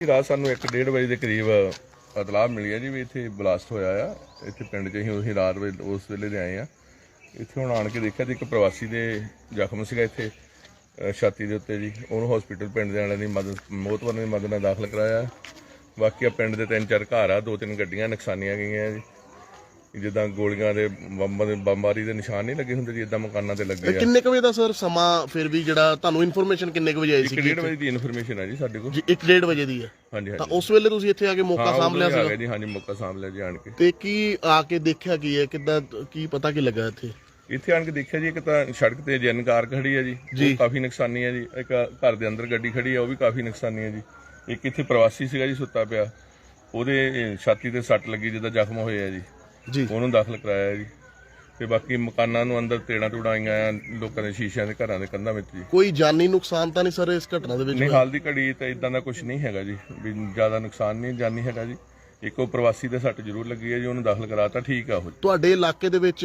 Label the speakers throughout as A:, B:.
A: ਰਾਤ ਸਾਨੂੰ 1:30 ਵਜੇ ਦੇ ਕਰੀਬ ਇਤਲਾਹ ਮਿਲੀ ਹੈ ਜੀ ਵੀ ਇੱਥੇ ਬਲਾਸਟ ਹੋਇਆ ਆ। ਇੱਥੇ ਪਿੰਡ 'ਚ ਅਸੀਂ ਰਾਤ ਵੇਲੇ ਉਸ ਵੇਲੇ ਦੇ ਆਏ ਆ। ਇੱਥੇ ਹੁਣ ਆਣ ਕੇ ਦੇਖਿਆ ਤੇ ਇੱਕ ਪ੍ਰਵਾਸੀ ਦੇ ਜ਼ਖਮ ਸੀਗਾ ਇੱਥੇ ਛਾਤੀ ਦੇ ਉੱਤੇ ਜੀ। ਉਹਨੂੰ ਹਸਪੀਟਲ ਪਿੰਡ ਦੇ ਵਾਲਿਆਂ ਦੀ ਮੋਹਤਵਰ ਦੀ ਮਦਦ ਨਾਲ ਦਾਖਲ ਕਰਾਇਆ। ਬਾਕੀ ਪਿੰਡ ਦੇ 3-4 ਘਰ ਆ, 2-3 ਗੱਡੀਆਂ ਨੁਕਸਾਨੀਆਂ ਗਈਆਂ ਜੀ। ਜਿੱਦਾਂ ਗੋਲੀਆਂ ਦੇ ਬੰਬਾਰੀ ਦੇ ਨਿਸ਼ਾਨ ਨਹੀਂ ਲੱਗੇ ਹੁੰਦੇ ਜੀ, ਇਦਾਂ ਮਕਾਨਾਂ ਤੇ ਲੱਗੇ ਆ।
B: ਕਿੰਨੇ ਕੁ ਵਜੇ ਦਾ ਸਰ ਸਮਾਂ ਫਿਰ ਵੀ ਜਿਹੜਾ ਤੁਹਾਨੂੰ ਇਨਫੋਰਮੇਸ਼ਨ ਕਿੰਨੇ ਕੁ ਵਜੇ ਆਈ ਸੀ?
A: 1:30 ਵਜੇ ਦੀ ਇਨਫੋਰਮੇਸ਼ਨ ਹੈ ਜੀ ਸਾਡੇ ਕੋਲ।
B: ਜੀ 1:30 ਵਜੇ ਦੀ ਹੈ।
A: ਹਾਂਜੀ
B: ਤਾਂ ਉਸ ਵੇਲੇ ਤੁਸੀਂ ਇੱਥੇ ਆ ਕੇ ਮੌਕਾ ਸਾਂਭ ਲਿਆ ਸੀਗਾ
A: ਜੀ? ਹਾਂਜੀ, ਮੌਕਾ ਸਾਂਭ ਲਿਆ ਜੀ ਆਣ ਕੇ।
B: ਤੇ ਕੀ ਆ ਕੇ ਦੇਖਿਆ ਕੀ ਹੈ, ਕਿੱਦਾਂ ਕੀ ਪਤਾ ਕੀ ਲੱਗਾ ਇੱਥੇ?
A: ਇੱਥੇ ਆਣ ਕੇ ਦੇਖਿਆ ਜੀ, ਇੱਕ ਤਾਂ ਸੜਕ ਤੇ ਜਨ ਕਾਰ ਖੜੀ ਹੈ ਜੀ, ਉਹ ਕਾਫੀ ਨੁਕਸਾਨੀ ਹੈ ਜੀ। ਇੱਕ ਘਰ ਦੇ ਅੰਦਰ ਗੱਡੀ ਖੜੀ ਹੈ, ਉਹ ਵੀ ਕਾਫੀ ਨੁਕਸਾਨੀ ਹੈ ਜੀ। ਇੱਕ ਇੱਥੇ ਪ੍ਰਵਾਸੀ ਸੀਗਾ ਜੀ ਸੁੱਤਾ ਪਿਆ, ਉਹਦੇ ਛਾਤੀ ਤੇ ਸੱਟ ਲੱਗੀ, ਜਿੱਦਾਂ ਜ਼ਖਮ ਹੋਏ ਆ ਜੀ, ਉਹਨੂੰ ਦਾਖਲ ਕਰਾਇਆ ਜੀ। ਤੇ ਬਾਕੀ ਮਕਾਨਾਂ ਨੂੰ ਅੰਦਰ ਤੇੜਾਂ ਤੂੜਾਂ ਆਈਆਂ ਆ, ਲੋਕਾਂ ਦੇ ਸ਼ੀਸ਼ਿਆਂ ਦੇ ਘਰਾਂ ਦੇ ਕੰਧਾਂ ਵਿੱਚ ਜੀ।
B: ਕੋਈ ਜਾਨੀ ਨੁਕਸਾਨ ਤਾਂ ਨਹੀਂ ਸਰ ਇਸ ਘਟਨਾ ਦੇ ਵਿੱਚ?
A: ਨਹੀਂ, ਹਾਲ ਦੀ ਘੜੀ ਤਾਂ ਇਦਾਂ ਦਾ ਕੁਝ ਨਹੀਂ ਹੈਗਾ ਜੀ, ਵੀ ਜ਼ਿਆਦਾ ਨੁਕਸਾਨ ਨਹੀਂ ਜਾਨੀ ਹੈਗਾ ਜੀ। ਇੱਕੋ ਪ੍ਰਵਾਸੀ ਦੇ ਸੱਟ ਜ਼ਰੂਰ ਲੱਗੀ ਹੈ ਜੀ, ਉਹਨੂੰ ਦਾਖਲ ਕਰਾਤਾ, ਠੀਕ ਆ ਉਹ।
B: ਤੁਹਾਡੇ ਇਲਾਕੇ ਦੇ ਵਿੱਚ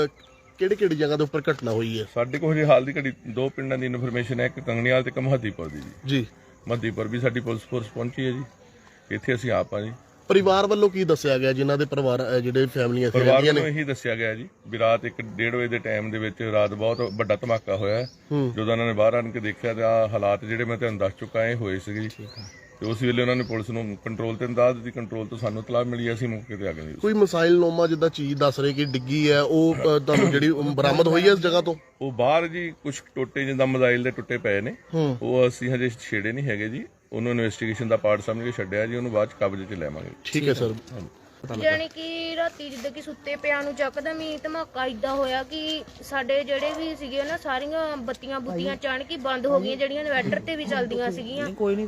B: ਕਿਹੜੀ ਜਗ੍ਹਾ ਦੇ ਉੱਪਰ ਘਟਨਾ ਹੋਈ ਹੈ?
A: ਸਾਡੇ ਕੋਲ ਹਜੇ ਹਾਲ ਦੀ ਘੜੀ 2 ਪਿੰਡਾਂ ਦੀ ਇਨਫੋਰਮੇਸ਼ਨ ਹੈ, ਇੱਕ ਕੰਗਣੀਵਾਲ ਤੇ ਇੱਕ ਮਹੱਦੀਪੁਰ ਦੀ
B: ਜੀ।
A: ਮਹੱਦੀਪੁਰ ਵੀ ਸਾਡੀ ਪੁਲਿਸ ਫੋਰਸ ਪਹੁੰਚੀ ਹੈ ਜੀ। ਇੱਥੇ ਅਸੀਂ ਆਪ ਆ ਜੀ।
B: ਪਰਿਵਾਰ ਵੱਲੋਂ ਕੀ ਦੱਸਿਆ ਗਿਆ, ਜਿਨ੍ਹਾਂ ਦੇ ਪਰਿਵਾਰ ਜਿਹੜੇ ਫੈਮਲੀਆਂ ਇੱਥੇ
A: ਪਰਿਵਾਰ
B: ਰਹਿੰਦੀਆਂ
A: ਨੂੰ
B: ਨੇ?
A: ਇਹੀ ਦੱਸਿਆ ਗਿਆ ਜੀ ਵੀ ਰਾਤ 1:30 ਵਜੇ ਦੇ ਟਾਈਮ ਦੇ ਵਿੱਚ ਰਾਤ ਬਹੁਤ ਵੱਡਾ ਧਮਾਕਾ ਹੋਇਆ। ਜਦੋਂ ਉਹਨਾਂ ਨੇ ਬਾਹਰ ਆਣ ਕੇ ਦੇਖਿਆ ਤੇ ਆ ਹਾਲਾਤ ਜਿਹੜੇ ਮੈਂ ਤੁਹਾਨੂੰ ਦੱਸ ਚੁੱਕਾ ਇਹ ਹੋਏ ਸੀਗੇ ਜੀ। ਤੇ ਉਸ ਵੇਲੇ ਉਹਨਾਂ ਨੇ ਪੁਲਿਸ ਨੂੰ ਕੰਟਰੋਲ ਤੇ ਦੱਸ ਦਿੱਤੀ, ਕੰਟਰੋਲ ਤੋਂ ਸਾਨੂੰ ਇਤਲਾਹ ਮਿਲੀ, ਅਸੀਂ ਮੌਕੇ ਤੇ ਆ ਗਏ। ਕੋਈ
B: ਮਿਸਾਈਲ ਨੋਮਾ ਜਿੱਦਾਂ ਚੀਜ਼ ਦੱਸ ਰਹੇ ਕਿ ਡਿੱਗੀ ਹੈ, ਉਹ ਤੁਹਾਨੂੰ ਜਿਹੜੀ ਬਰਾਮਦ ਹੋਈ ਹੈ ਇਸ ਜਗ੍ਹਾ ਤੋਂ?
A: ਉਹ ਬਾਹਰ ਜੀ ਕੁਝ ਟੋਟੇ ਜਿੱਦਾਂ ਮਿਸਾਈਲ ਦੇ ਟੁੱਟੇ ਪਏ ਨੇ, ਉਹ ਅਸੀਂ ਹਜੇ ਛੇੜੇ ਨਹੀਂ ਹੈਗੇ ਜੀ। ਉਹਨੂੰ ਇਨਵੈਸਟੀਗੇਸ਼ਨ ਦਾ ਪਾਰਟ ਸਮਝ ਕੇ ਛੱਡਿਆ ਜੀ, ਉਹਨੂੰ ਬਾਅਦ ਚ ਕਬਜ਼ੇ 'ਚ ਲੈਵਾਂਗੇ।
B: ਠੀਕ ਹੈ ਸਰ।
C: ਜਾਣੀ ਕਿ ਰਾਤੀ ਜਿੱਦਾਂ ਕਿ ਸੁੱਤੇ ਪਿਆਂ ਨੂੰ ਚੱਕਦਮ ਹੀ ਧਮਾਕਾ ਇਦਾਂ ਹੋਇਆ ਕਿ ਸਾਡੇ ਜਿਹੜੇ ਵੀ ਸੀਗੇ ਨਾ ਸਾਰੀਆਂ ਬੱਤੀਆਂ ਬੁੱਤੀਆਂ ਅਚਾਨਕ ਹੀ ਬੰਦ ਹੋ ਗਈਆਂ, ਜਿਹੜੀਆਂ ਇਨਵਰਟਰ ਤੇ ਵੀ ਚੱਲਦੀਆਂ ਸੀਗੀਆਂ।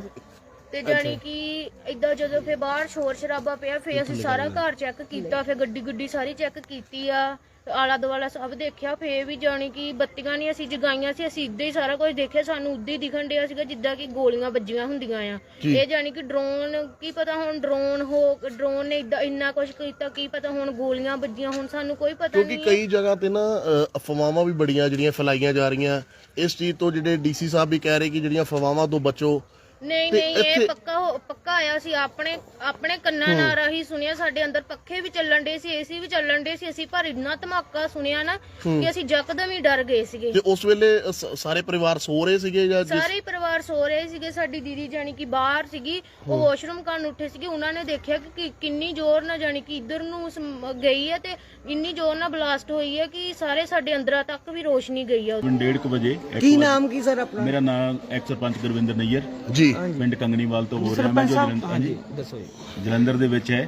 C: ਤੇ ਜਾਣੀ ਕਿ ਇਦਾਂ ਜਦੋਂ ਫੇਰ ਬਾਹਰ ਸ਼ੋਰ ਸ਼ਰਾਬਾ ਪਿਆ, ਫੇਰ ਅਸੀਂ ਸਾਰਾ ਘਰ ਚੈੱਕ ਕੀਤਾ, ਫੇਰ ਗੱਡੀ ਸਾਰੀ ਚੈੱਕ ਕੀਤੀ ਆ, ਆਲਾ ਦੁਆਲਾ ਸਭ ਦੇਖਿਆ। ਫੇਰ ਵੀ ਜਾਣੀ ਕਿ ਬੱਤੀਆਂ ਨਹੀਂ ਅਸੀਂ ਜਗਾਈਆਂ ਸੀ, ਅਸੀਂ ਇੱਦਾਂ ਹੀ ਸਾਰਾ ਕੁਝ ਦੇਖਿਆ। ਸਾਨੂੰ ਉੱਦਾਂ ਹੀ ਦਿਖਣ ਡਿਆ ਸੀਗਾ ਜਿੱਦਾਂ ਕਿ ਗੋਲੀਆਂ ਵੱਜੀਆਂ ਹੁੰਦੀਆਂ ਆ। ਇਹ ਜਾਣੀ ਕਿ ਡਰੋਨ, ਕੀ ਪਤਾ ਹੁਣ ਡਰੋਨ ਨੇ ਇਦਾਂ ਇੰਨਾ ਕੁਝ ਕੀਤਾ, ਕੀ ਪਤਾ ਹੁਣ ਗੋਲੀਆਂ ਵੱਜੀਆਂ, ਹੁਣ ਸਾਨੂੰ ਕੋਈ ਪਤਾ ਨਹੀਂ।
B: ਕਿਉਂਕਿ ਕਈ ਜਗ੍ਹਾ ਤੇ ਨਾ ਅਫਵਾਹਾਂ ਵੀ ਬੜੀਆਂ ਜਿਹੜੀਆਂ ਫੈਲਾਈਆਂ ਜਾ ਰਹੀਆਂ ਇਸ ਚੀਜ਼ ਤੋਂ। ਜਿਹੜੇ ਡੀਸੀ ਸਾਹਿਬ ਵੀ ਕਹਿ ਰਹੇ ਕਿ ਜਿਹੜੀਆਂ ਅਫਵਾਹਾਂ ਤੋਂ ਬਚੋ।
C: ਨਹੀਂ, ਇਹ ਪੱਕਾ ਆਇਆ ਸੀ, ਆਪਣੇ ਕੰਨਾਂ ਨਾਲ ਰਾਹੀਂ ਸੁਣਿਆ। ਸਾਡੇ ਅੰਦਰ ਪੱਖੇ ਵੀ ਚੱਲਣ ਡੇ ਸੀ, ਏਸੀ ਵੀ ਚੱਲਣ ਡੇ ਸੀ, ਅਸੀਂ ਪਰ ਇੰਨਾ ਧਮਾਕਾ ਸੁਣਿਆ ਨਾ ਕਿ ਅਸੀਂ ਯਕਦਮ ਹੀ ਡਰ ਗਏ ਸੀਗੇ।
B: ਤੇ ਉਸ ਵੇਲੇ ਸਾਰੇ ਪਰਿਵਾਰ ਸੋ ਰਹੇ ਸੀਗੇ ਜਾਂ?
C: ਸਾਰੇ ਪਰਿਵਾਰ ਸੋ ਰਹੇ ਸੀਗੇ। ਸਾਡੀ ਦੀਦੀ ਜਾਨੀ ਕਿ ਬਾਹਰ ਸੀਗੀ, ਉਹ ਵਾਸ਼ਰੂਮ ਕਰਨ ਉੱਠੇ ਸੀਗੇ। ਉਹਨਾਂ ਨੇ ਦੇਖਿਆ ਕਿ ਕਿੰਨੀ ਜ਼ੋਰ ਨਾਲ ਜਾਨੀ ਕਿ ਇੱਧਰ ਨੂੰ ਗਈ ਹੈ ਤੇ ਇੰਨੀ ਜ਼ੋਰ ਨਾਲ ਬਲਾਸਟ ਹੋਈ ਹੈ ਕਿ ਸਾਰੇ ਸਾਡੇ ਅੰਦਰਾਂ ਤੱਕ ਵੀ ਰੋਸ਼ਨੀ ਗਈ ਆ।
D: 1:30 ਵਜੇ।
E: ਕੀ ਨਾਮ ਕੀ ਸਰ ਆਪਣਾ?
D: ਮੇਰਾ ਨਾਮ ਐਕਸ ਸਰਪੰਚ ਗੁਰਵਿੰਦਰ ਨਈਅਰ
B: ਜੀ,
D: ਪਿੰਡ ਕੰਗਣੀਵਾਲ ਤੋਂ ਬੋਲ ਰਿਹਾ ਮੈਂ, ਜੋ ਜਲੰਧਰ ਦੇ ਵਿੱਚ ਹੈ।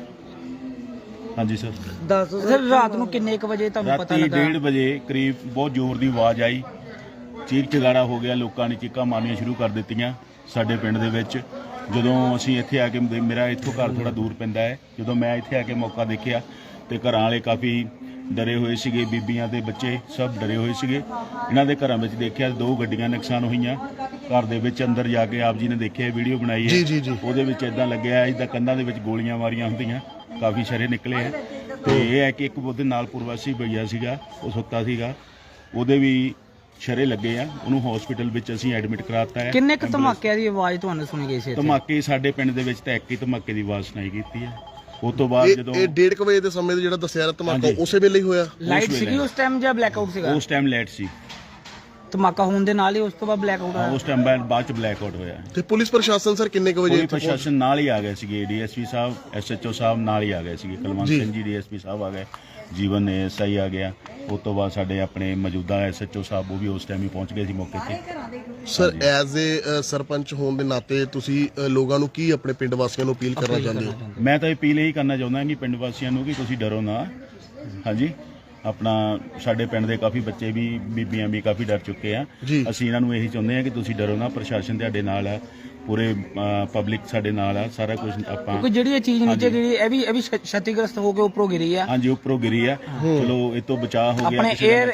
D: ਹਾਂਜੀ ਸਰ।
E: ਦੱਸੋ ਸਰ, ਰਾਤ ਨੂੰ ਕਿੰਨੇ ਕੁ ਵਜੇ ਤੁਹਾਨੂੰ ਪਤਾ ਲੱਗਾ?
D: 1:30 ਵਜੇ ਕਰੀਬ ਬਹੁਤ ਜ਼ੋਰ ਦੀ ਆਵਾਜ਼ ਆਈ, ਚੀਕ ਚਿਹਾੜਾ ਹੋ ਗਿਆ, ਲੋਕਾਂ ਨੇ ਚੀਕਾਂ ਮਾਰਨੀਆਂ ਸ਼ੁਰੂ ਕਰ ਦਿੱਤੀਆਂ ਸਾਡੇ ਪਿੰਡ ਦੇ ਵਿੱਚ। ਜਦੋਂ ਅਸੀਂ ਇੱਥੇ ਆ ਕੇ, ਮੇਰਾ ਇੱਥੋਂ ਘਰ ਥੋੜਾ ਦੂਰ ਪੈਂਦਾ ਹੈ, ਜਦੋਂ ਮੈਂ ਇੱਥੇ ਆ ਕੇ ਮੌਕਾ ਦੇਖਿਆ ਤੇ ਘਰਾਂ ਵਾਲੇ ਕਾਫੀ ਡਰੇ ਹੋਏ ਸੀਗੇ, ਬੀਬੀਆਂ ਤੇ ਬੱਚੇ ਸਭ ਡਰੇ ਹੋਏ ਸੀਗੇ। ਇਹਨਾਂ ਦੇ ਘਰਾਂ ਵਿੱਚ ਦੇਖਿਆ 2 ਗੱਡੀਆਂ ਨੁਕਸਾਨ ਹੋਈਆਂ। ਘਰ ਦੇ ਵਿੱਚ ਅੰਦਰ ਜਾ ਕੇ ਆਪ ਜੀ ਨੇ ਦੇਖਿਆ, ਵੀਡੀਓ ਬਣਾਈ ਹੈ, ਉਹਦੇ ਵਿੱਚ ਇਦਾਂ ਲੱਗਿਆ ਜਿੱਦਾਂ ਕੰਧਾਂ ਦੇ ਵਿੱਚ ਗੋਲੀਆਂ ਮਾਰੀਆਂ ਹੁੰਦੀਆਂ, ਕਾਫੀ ਸ਼ਰੇ ਨਿਕਲੇ ਆ। ਤੇ ਇਹ ਹੈ ਕਿ ਇੱਕ ਉਹਦੇ ਨਾਲ ਪ੍ਰਵਾਸੀ ਭਈਆ ਸੀਗਾ, ਉਹ ਸੁੱਤਾ ਸੀਗਾ, ਉਹਦੇ ਵੀ ਸ਼ਰੇ ਲੱਗੇ ਆ, ਉਹਨੂੰ ਹਸਪੀਟਲ ਵਿੱਚ ਅਸੀਂ ਐਡਮਿਟ ਕਰਾਤਾ ਹੈ।
E: ਕਿੰਨੇ ਕੁ ਧਮਾਕਿਆਂ ਦੀ ਆਵਾਜ਼ ਤੁਹਾਨੂੰ ਸੁਣੀ ਗਈ ਸੀ?
D: ਧਮਾਕੇ ਸਾਡੇ ਪਿੰਡ ਦੇ ਵਿੱਚ ਤਾਂ ਇੱਕ ਹੀ ਧਮਾਕੇ ਦੀ ਆਵਾਜ਼ ਸੁਣਾਈ ਕੀਤੀ ਹੈ। ਉਸ ਤੋਂ ਬਾਅਦ ਜਦੋਂ
B: ਇਹ 1:30 ਵਜੇ ਦੇ ਸਮੇਂ ਜਿਹੜਾ ਦੱਸਿਆ ਧਮਾਕਾ ਉਸੇ ਵੇਲੇ ਹੀ ਹੋਇਆ?
E: ਲਾਈਟ ਸੀਗੀ ਉਸ ਟਾਈਮ ਜਾਂ ਬਲੈਕ ਆਊਟ ਸੀਗਾ?
D: ਉਸ ਟਾਈਮ ਲਾਈਟ ਸੀ।
E: ਧਮਾਕਾ ਹੋਣ ਦੇ ਨਾਲ ਹੀ ਉਸ ਤੋਂ ਬਾਅਦ ਬਲੈਕ ਆਊਟ ਹੋਇਆ?
D: ਉਸ ਟਾਈਮ ਬਾਅਦ ਚ ਬਲੈਕ ਆਊਟ ਹੋਇਆ।
B: ਤੇ ਪੁਲਿਸ ਪ੍ਰਸ਼ਾਸਨ ਸਰ ਕਿੰਨੇ ਕੁ ਵਜੇ?
D: ਪੁਲਿਸ ਪ੍ਰਸ਼ਾਸਨ ਨਾਲ ਹੀ ਆ ਗਏ ਸੀਗੇ, ਡੀਐਸਪੀ ਸਾਹਿਬ, ਐਸਐਚਓ ਸਾਹਿਬ ਨਾਲ ਹੀ ਆ ਗਏ ਸੀਗੇ। ਕੁਲਵੰਤ ਸਿੰਘ ਜੀ ਡੀਐਸਪੀ ਸਾਹਿਬ ਆ ਗਏ, ਜੀਵਨ ਐਸਆਈ ਆ ਗਿਆ। ਉਸ ਤੋਂ ਬਾਅਦ ਸਾਡੇ ਆਪਣੇ ਮੌਜੂਦਾ ਐਸਐਚਓ ਸਾਹਿਬ ਉਹ ਵੀ ਉਸ ਟਾਈਮ ਹੀ ਪਹੁੰਚ ਗਏ ਸੀ ਮੌਕੇ ਤੇ।
B: ਸਰ ਐਜ਼ ਏ ਸਰਪੰਚ ਹੋਣ ਦੇ ਨਾਤੇ ਤੁਸੀਂ ਲੋਕਾਂ ਨੂੰ ਕੀ ਆਪਣੇ ਪਿੰਡ ਵਾਸੀਆਂ ਨੂੰ ਅਪੀਲ ਕਰਨਾ ਚਾਹੁੰਦੇ ਹੋ?
D: ਮੈਂ ਤਾਂ ਅਪੀਲ ਇਹੀ ਕਰਨਾ ਚਾਹੁੰਦਾ ਕਿ ਪਿੰਡ ਵਾਸੀਆਂ ਨੂੰ ਕਿ ਤੁਸੀਂ ਡਰੋ ਨਾ। ਹਾਂਜੀ, ਆਪਣਾ ਸਾਡੇ ਪਿੰਡ ਦੇ ਕਾਫੀ ਬੱਚੇ ਵੀ, ਬੀਬੀਆਂ ਵੀ ਕਾਫੀ ਡਰ ਚੁੱਕੇ ਆ। ਅਸੀਂ ਇਹਨਾਂ ਨੂੰ ਇਹੀ ਚਾਹੁੰਦੇ ਆ ਕਿ ਤੁਸੀਂ ਡਰੋ ਨਾ, ਪ੍ਰਸ਼ਾਸਨ ਤੁਹਾਡੇ ਨਾਲ ਆ, ਪੂਰੇ ਪਬਲਿਕ ਸਾਡੇ ਨਾਲ ਆ, ਸਾਰਾ ਕੁਝ ਆਪਾਂ।
E: ਕੋਈ ਜਿਹੜੀ ਇਹ ਚੀਜ਼ ਨੀਚੇ ਗਿਰੀ, ਇਹ ਵੀ ਛਤੀਗ੍ਰਸਤ ਹੋ ਕੇ ਉੱਪਰੋਂ ਗਿਰੀ ਆ?
D: ਹਾਂਜੀ, ਉੱਪਰੋਂ ਗਿਰੀ ਆ। ਚਲੋ ਇਹ ਤੋਂ ਬਚਾਅ ਹੋ ਗਿਆ।
E: ਆਪਣੇ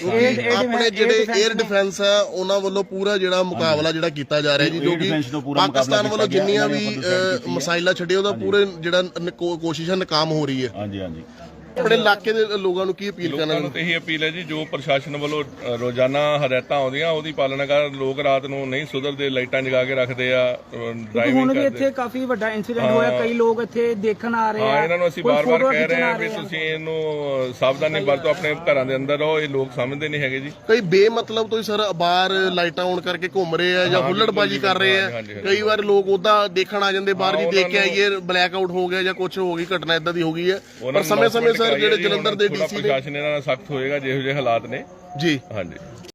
B: ਜਿਹੜੇ 에ਅਰ ਡਿਫੈਂਸ ਹੈ ਉਹਨਾਂ ਵੱਲੋਂ ਪੂਰਾ ਜਿਹੜਾ ਮੁਕਾਬਲਾ ਜਿਹੜਾ ਕੀਤਾ ਜਾ ਰਿਹਾ ਜੀ, ਜੋ ਕਿ ਪਾਕਿਸਤਾਨ ਵੱਲੋਂ ਜਿੰਨੀਆਂ ਵੀ ਮਿਸਾਈਲਾਂ ਛੱਡੇ ਉਹਦਾ ਪੂਰੇ ਜਿਹੜਾ ਕੋਸ਼ਿਸ਼ਾਂ ਨਾਕਾਮ ਹੋ ਰਹੀ ਹੈ।
D: ਹਾਂਜੀ।
B: ਆਪਣੇ ਇਲਾਕੇ ਦੇ ਲੋਕਾਂ ਨੂੰ ਕੀ ਅਪੀਲ ਕਰਨਾ
A: ਲੋਕਾਂ ਨੂੰ ਤਾਂ ਇਹੀ ਅਪੀਲ ਹੈ ਜੀ, ਜੋ ਪ੍ਰਸ਼ਾਸਨ ਵੱਲੋਂ ਰੋਜ਼ਾਨਾ ਹਦਾਇਤਾਂ ਆਉਂਦੀਆਂ ਉਹਦੀ ਪਾਲਣਾ ਕਰ। ਲੋਕ ਰਾਤ ਨੂੰ ਨਹੀਂ ਸੁਧਰਦੇ, ਲਾਈਟਾਂ ਜਗਾ ਕੇ ਰੱਖਦੇ ਆ, ਡਰਾਈਵਿੰਗ
E: ਹੁਣ ਵੀ
A: ਕਰਦੇ।
E: ਇੱਥੇ ਕਾਫੀ ਵੱਡਾ ਇਨਸੀਡੈਂਟ ਹੋਇਆ, ਕਈ ਲੋਕ ਇੱਥੇ ਦੇਖਣ ਆ ਰਹੇ ਆ।
A: ਹਾਂ, ਇਹਨਾਂ ਨੂੰ ਅਸੀਂ ਬਾਰ-ਬਾਰ ਕਹਿ ਰਹੇ ਹਾਂ ਵੀ ਤੁਸੀਂ ਇਹਨੂੰ ਸਾਵਧਾਨੀ ਵਰਤੋ, ਆਪਣੇ ਘਰਾਂ ਦੇ ਅੰਦਰ ਰਹੋ। ਇਹ ਲੋਕ ਸਮਝਦੇ ਨਹੀਂ ਹੈਗੇ ਜੀ।
B: ਕਈ ਬੇਮਤਲਬ ਤੋਂ ਹੀ ਸਰ ਬਾਹਰ ਲਾਈਟਾਂ ਔਨ ਕਰਕੇ ਘੁੰਮ ਰਹੇ ਆ ਜਾਂ ਹੁੱਲੜਬਾਜੀ ਕਰ ਰਹੇ ਆ। ਕਈ ਵਾਰ ਲੋਕ ਉਹਦਾ ਦੇਖਣ ਆ ਜਾਂਦੇ, ਬਾਹਰ ਵੀ ਦੇਖ ਕੇ ਆਈਏ ਬਲੈਕ ਆਊਟ ਹੋ ਗਿਆ ਜਾਂ ਕੁਝ ਹੋ ਗਈ, ਘਟਨਾ ਇਦਾਂ ਦੀ ਹੋ ਗਈ ਹੈ। ਪਰ ਸਮੇਂ-ਸਮੇਂ ਸਰ ਜਿਹੜੇ ਜਲੰਧਰ ਦੇ ਡੀਸੀ ਨੇ,
A: ਪ੍ਰਸ਼ਾਸਨ ਇਹਨਾਂ ਨਾਲ ਸਖਤ ਹੋਏਗਾ ਜਿਹੋ ਜਿਹੇ ਹਾਲਾਤ ਨੇ
B: ਜੀ
A: ਹਾਂਜੀ।